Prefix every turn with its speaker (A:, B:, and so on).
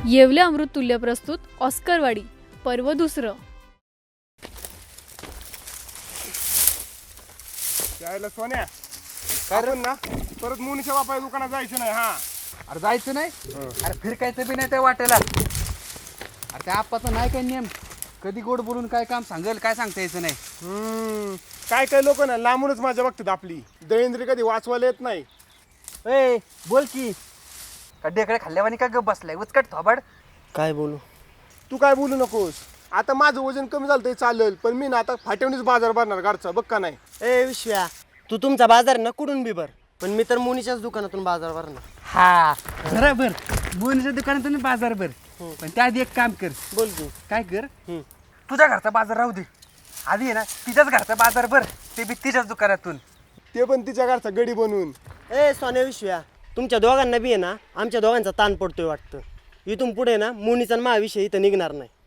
A: येवले अमृततुल्य प्रस्तुत ऑस्करवाडी पर्व दुसरं.
B: यायला सोन्या कारण ना परत मुनीच्या बापाच्या दुकानात जायचं नाही. हा
C: अरे जायचं नाही. अरे फिरकायचं बी नाही त्या वाटेला. अरे त्या आप्पाचा नाही काय नियम, कधी गोड बोलून काय काम सांगेल काय सांगता यायचं नाही.
B: काय काय लोक ना लांबूनच माझ्या बघतात आपली दळेंद्री कधी वाचवायला येत नाही.
C: ए बोल की, का ढेकळे खाल्ल्यावानी का गप बसलाय उचकट थोबाड.
D: काय बोलू?
B: तू काय बोलू नकोस. आता माझं वजन कमी झालं तरी चालेल, पण मी ना आता फाट्यावणीच बाजार भरणार घरचा बघ का नाही.
D: ए विश्व्या, तू तुमचा बाजार ना कुठून बी भर, पण मी तर मुनीच्याच दुकानातून बाजार भरणार.
C: हा बरोबर, बोनीच्या दुकानातून बाजार भर. पण त्याआधी एक काम कर.
D: बोल की.
C: काय कर, तुझ्या घरचा बाजार राहू दे, आधी आहे ना तिच्याच घरचा बाजार भर, ते बी तिच्याच दुकानातून.
B: ते पण तिच्या घरचा गडी बनवून.
D: ए सोन्या विश्व्या, तुमच्या दोघांना बी आहे ना आमच्या दोघांचा ताण पडतोय वाटतं. इथून पुढे ना मुनीचा आणि माझ्याविषयी इथं निघणार नाही.